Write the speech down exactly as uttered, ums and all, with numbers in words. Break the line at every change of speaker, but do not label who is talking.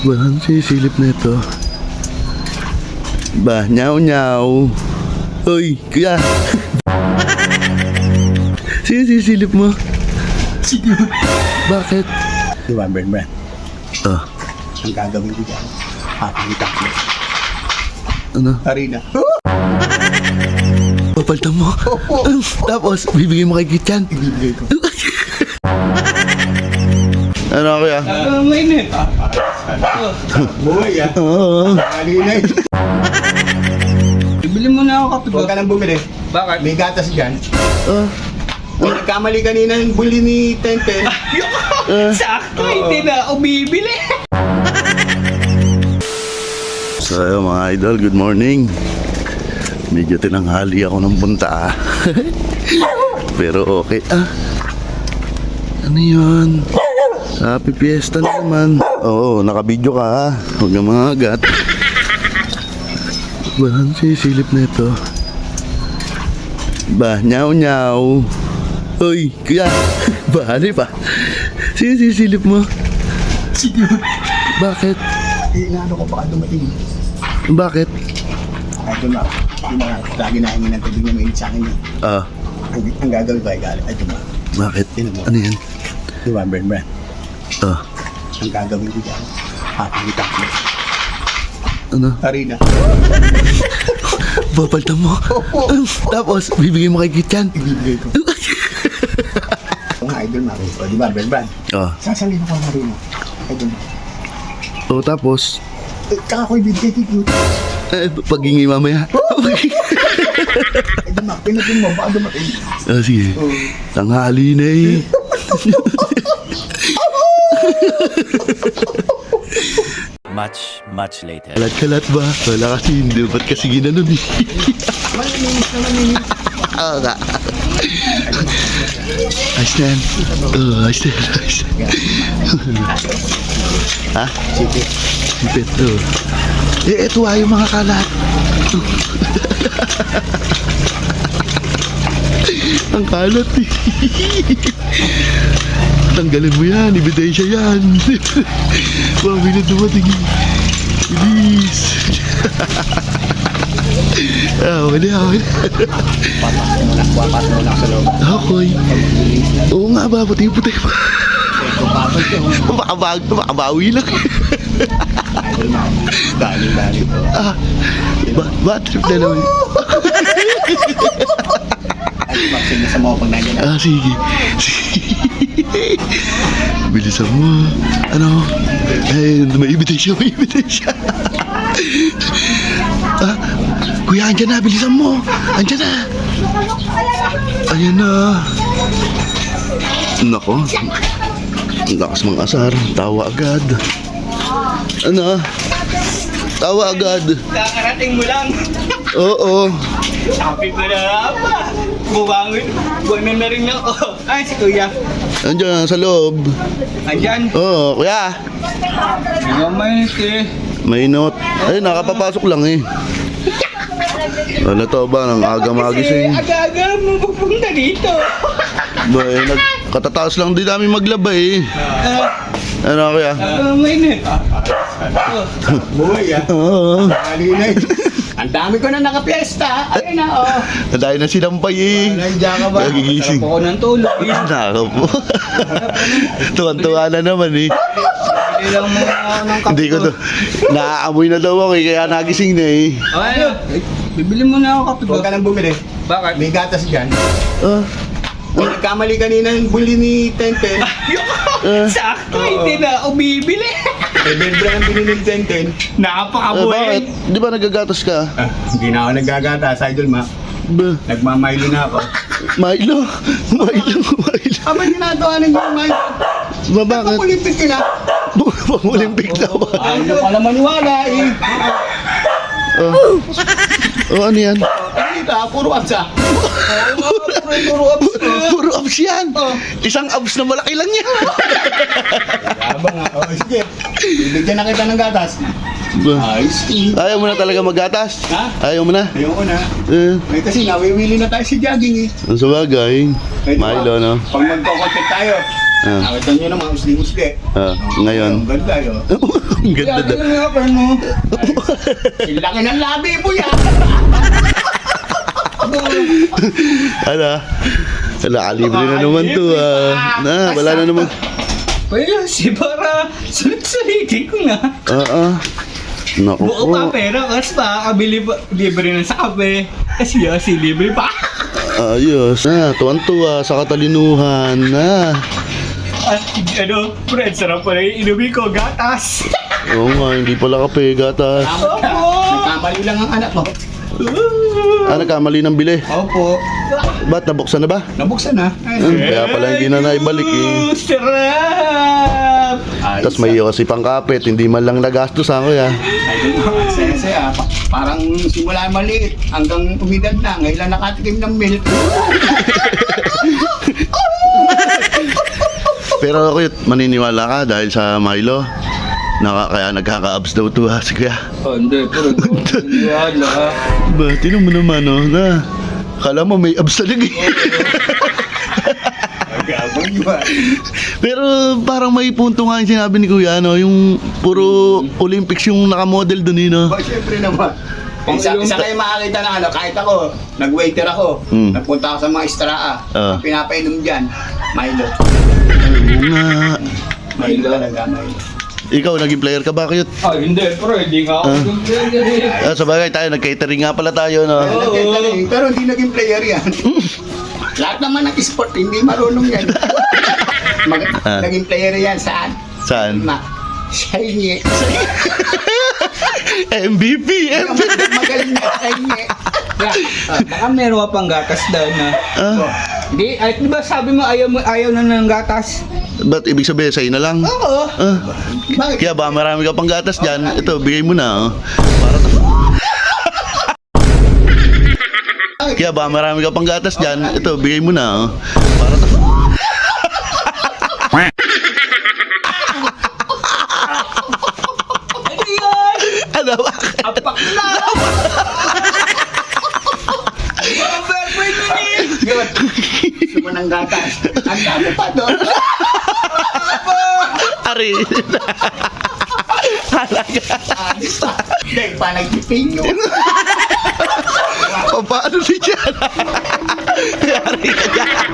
Walang sisilip na ito. Ba, nyaw nyaw. Hoy, kuya. Sino sisilip mo?
Sige.
Bakit?
Di ba, Bern Bern?
Oh,
Ang gagawin ko dyan, papakita ko.
ano?
Harina.
Papaltan mo? Tapos, bibigay mo kay Kitchan?
Ibibigay ko.
Ano kuya?
Ah, mainit.
Buhay ah.
Oo.
Harina eh.
Bibili mo na ako kape.
Huwag ka nang bumili.
Bakit?
May gatas dyan.
Oh.
Kung nagkamali kanina yung buli ni Tenten.
Uh,
Sakto, hindi na ako bibili.
so, ayun, mga idol, good morning. Medyo tinanghali ako ng punta ah. Pero okay ah. Ano yun? Happy Fiesta na naman. Oo, nakabidyo ka ha. Huwag na mga agat. Walang sisilip na ito. Ba, nyaw nyaw. Hoy, kuya. Bahali pa. Sino sisilip mo?
Sige.
Bakit?
Eh, inaano ko baka dumating.
Bakit?
Ay, ito na. Yung mga lagi na hingin ng tubig na mainit sa akin yun.
Ah,
Ang, ang gagawin ko ay galit. Ay, ito na.
bakit?
Tingnan mo.
Ano yan?
Di ba, Bern Bern?
Ah,
Ang gagawin ko dyan, papakita ko.
ano?
Harina.
Papaltan mo? Tapos, bibigay mo kay Kitchan?
Ibibigay ko. Mga idol na rin. O, di ba, Bern Bern?
Ah,
Sasabihin ko ang harina. Ay, ito na.
o tapos,
Eh, tsaka ko ibibigay kay Cute.
eh, paghingi mamaya.
Ay, dumak. Pinatin mo. Baka dumating.
Ah, sige.
Oh.
Tanghali na eh.
Much, much later.
Kalat-kalat ba? Wala kasi hindi. Ba't kasi ginanon eh?
Maninis na maninis.
Oo nga. Ayos na yan. Oo, ayos na yan. Ayos na yan. Ha?
Sige.
Sipit. Oo. Eh, eto ah, yung mga kalat. Ang kalat eh. Tanggalin mo yan, ebidensya yan. Mami na dumating. Bilis. Ah, okay na, okay na.
Papasok mo na. Papasok mo na sa loob.
Okay. Oo nga ba, puti-puti pa.
Papasok ko.
Makabag, makabawi lang.
Idol na. Galing, galing.
Ah, ba, bad trip na naman.
Ay, vaccine na sa mga pag nandiyan na.
Ah, sige. Sige. Bilisan mo. Ano? Eh, may invitation, may invitation. Ah, kuya, andyan na, bilisan mo. Andyan na. Ayan na. Nako. Ang lakas mga asar. Tawa agad. Ano? Tawa agad.
Kakarating mo lang.
Oo.
Sabi ko na pa. Buwangon. Buwangon na rin ako. Ay, si Kuya.
Andyan sa loob.
Andyan.
Oo, kuya.
Hindi nga mainit eh.
Mainot. Ay, nakapapasok lang eh. Wala to ba? Nang aga
Kasi
magising.
aga-aga mo pupunta dito.
Ba, eh, nagkatataas lang din namin maglaba eh.
Ah,
Ano kuya?
ah, mainit.
Buhay ah.
Oo.
Galing eh. Ang dami ko na nakapiesta. Ayun na, oh.
Dahil na sinampay eh.
Nandiyan ka ba?
Nagigising.
Sarap ako ng tulog eh.
Nako po. Tuwan-tuwa na naman eh.
Hindi lang mo ako ng kape.
Hindi ko to. Naaamoy na daw ako eh, kaya nagising na eh.
Ay, bibili mo na ako kape.
Huwag ka nang bumili.
Bakit?
May gatas dyan.
Ah,
Kung nagkamali kanina yung buli ni Tenten.
ah,
Sakto, hindi na ako bibili.
Eh, Bern ang binili ni Tenten.
ah,
Napakabuhay.
bakit? Di ba nagagatas ka?
Ah, hindi na ako naggagatas, idol ma.
Ba,
Nagmamaylo na ako.
Milo. Milo, Milo.
Aba, ginagawa ng Milo.
Ba, bakit?
Pakulimpik ka na.
Pang-Olympic na ba?
Ayaw pala maniwala eh.
Oh. Oh, ano yan?
Dito ah, puro absa.
Puro abs.
Puro abs yan. Isang abs na malaki lang yan.
Abang nga. Oh, sige. Bibigyan na kita ng gatas.
Ba,
Ayos eh.
ayaw mo na talaga maggatas?
Ha?
Ayaw mo na?
Ayoko na.
Eh,
Eh, kasi nawiwili na tayo si jogging eh.
ang sabagay.
Eh, di ba?
Milo, no?
Pag magko-contact tayo,
Ah.
Nakita nyo naman, usli-usli.
Ah, ngayon.
Ang ganda yun.
Ang ganda
Kaya,
daw.
tingnan nga, friend mo. Ay, laki ng labi mo yan.
Ano? Wala, kalibre na naman to ah. Na, wala na naman.
Well, si para sulit-sulitin ko na.
Oo. Naku
Buo
po.
pa pera kasi pa, kabili pa, libre na sa kape. Kasi si libre pa.
Ayos. Na, tuwan-tuwa sa katalinuhan. Na.
At ano, friend, sarap pala yung inumin ko, gatas.
Oo nga, hindi pala kape, gatas.
Nagkamali lang ang anak mo.
Ah, nagkamali ng bili.
Opo.
Ba't nabuksan na ba?
Nabuksan na.
Hmm, kaya pala hindi na naibalik eh.
Sarap!
Tapos may iyo kasi pang kapit, hindi man lang nagastos ako ya.
Ay, saya-saya. Pa- parang simula maliit hanggang umidad na. Ngayon lang nakatikim ng milk.
Pero cute, maniniwala ka dahil sa Milo. Naka, kaya nagkaka-abs daw to ha, si kuya.
Oh, hindi, pero wala.
Ba, tinan mo naman oh, na. Kala mo may abs talaga eh.
Gabang yun.
Pero parang may punto nga yung sinabi ni kuya, no? Yung puro Olympics yung nakamodel dun eh, no?
Ba, syempre naman. Isa, isa kayo makakita na ano, kahit ako, nag-waiter ako,
Hmm.
nagpunta ako sa mga istraa,
Ah.
ang pinapainom dyan, Milo.
Oo nga.
Milo talaga, Milo.
Ikaw, naging player ka ba, cute?
Ah, hindi, pero hindi nga ako
Ah.
yung player.
Ah, sa bagay tayo, nag-catering nga pala tayo, no?
Pero, nagkagaling, pero hindi naging player yan. Lahat naman ng sport, hindi marunong yan. Mag-
Ah.
Naging player yan, saan?
Saan?
Ma, shiny.
M V P! M V P!
Magaling na shiny.
Ah, baka meron ka pang gatas doon na.
Ah,
Di, ay, di ba sabi mo ayaw, mo, ayaw na ng gatas?
ba't ibig sabihin sa'yo na lang?
Oo.
Ah,
Bakit?
kaya ba marami ka pang gatas dyan? Ito, bigay mo na, oh. Para to. Kaya ba marami ka pang gatas dyan? Ito, bigay mo na, oh. Para to.
Ano yun?
Ano ba?
Apak na! Ang perfect na eh!
Yun. Gusto mo ng gatas. Ang dami pa doon.
Ari. Halaga.
Anis pa. Dahil pa nagpipin yun.
O, paano si Diana? Ari ka dyan.